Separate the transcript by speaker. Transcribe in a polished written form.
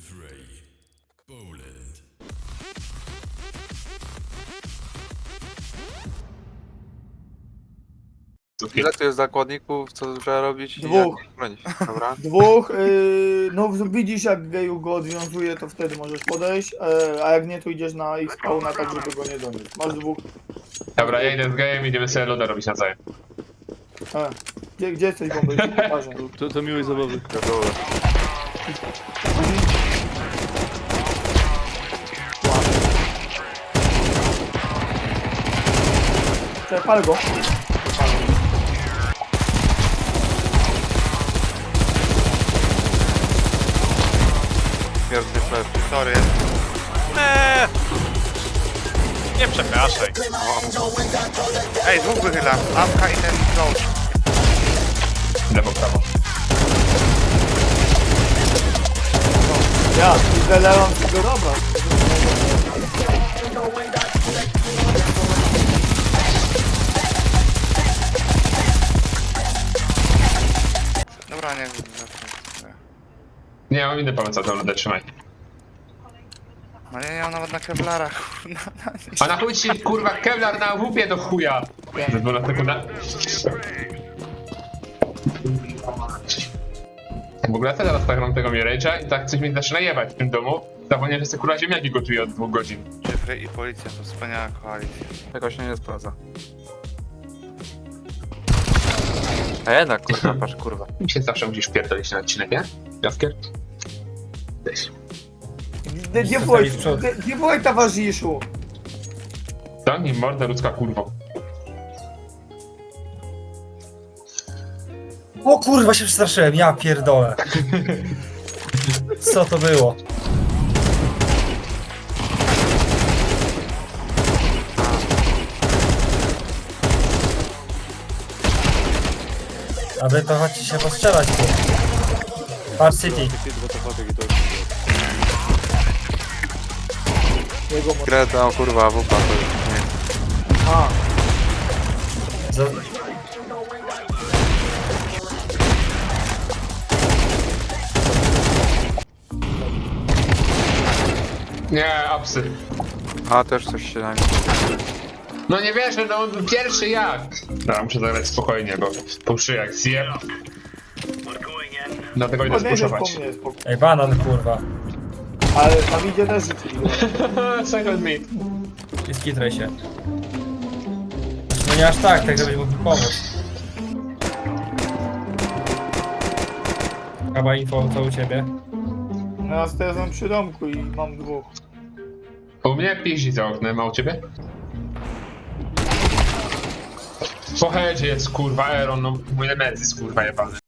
Speaker 1: Fray, Poland.
Speaker 2: Ile tu jest zakładników, co trzeba robić? i
Speaker 3: Dwóch.
Speaker 2: jak bronić? Dobra.
Speaker 3: Dwóch, no widzisz jak geju go odwiązuje, to wtedy możesz podejść, a jak nie, to idziesz na ich spawna, tak żeby go nie doniósł. Masz dwóch.
Speaker 4: Dobra, ja idę z gejem i idziemy sobie loda robić nawzajem.
Speaker 3: Gdzie jesteś, bomby? Pokażę.
Speaker 5: To miłej zabawy.
Speaker 2: To było.
Speaker 3: Czekaj, palę go.
Speaker 2: Pierwszy flash.
Speaker 6: Sorry. Nie przepraszaj. Ej, dwóch wychyla. Awka i ten coach.
Speaker 4: Lewo, prawo.
Speaker 3: Ja, i zalewam tego dobra.
Speaker 6: Dobra, nie wiem.
Speaker 4: Nie, mam inny pomysł na tę lodę, trzymaj.
Speaker 6: No nie mam nawet na kevlarach.
Speaker 4: A na chuj ci, kurwa, Kevlar na łupie do chuja! Zezwolę sekunda. W ogóle ja teraz tak mam tego Mirage'a i tak coś mi zaczyna jebać w tym domu. Zapomniałem, że sobie kurwa ziemniaki gotuję od 2 godzin.
Speaker 6: Jeffrey i policja to wspaniała koalicja.
Speaker 2: Tego się nie sprawdza. A jednak kurwa, patrz kurwa.
Speaker 4: Mi się zawsze musisz pierdolić na odcinek, nie? Jaskier? Weź.
Speaker 3: Gdzie byłeś, towarzyszu?
Speaker 4: Zamknij mordę ludzka kurwo.
Speaker 7: O kurwa, się przestraszyłem, ja pierdolę. Co to było? A wy to chodźcie się postrzelać tu. Patrz City.
Speaker 3: Jego mo-
Speaker 2: Grę tam kurwa, wupa to już nie.
Speaker 3: A,
Speaker 7: Za...
Speaker 4: Nie, apsy.
Speaker 2: A też coś się na mnie.
Speaker 4: No nie wierzę, no pierwszy jak? Dobra, muszę zagrać spokojnie, bo po jak zjem. Dlatego idę
Speaker 3: podejdziesz po
Speaker 4: spuszować.
Speaker 3: mnie, spoko.
Speaker 7: Ej, banan kurwa.
Speaker 3: Ale tam idzie też rzucili go.
Speaker 4: Second meat.
Speaker 7: I skitraj się. No nie aż tak, tak żebyś mógł mi pomóc. Chyba info, co u ciebie?
Speaker 3: No ja teraz mam przy domku i mam dwóch.
Speaker 4: U mnie piździ za oknem, a u ciebie? Po headzie jest kurwa Aeron, no mój Nemezis kurwa jebany.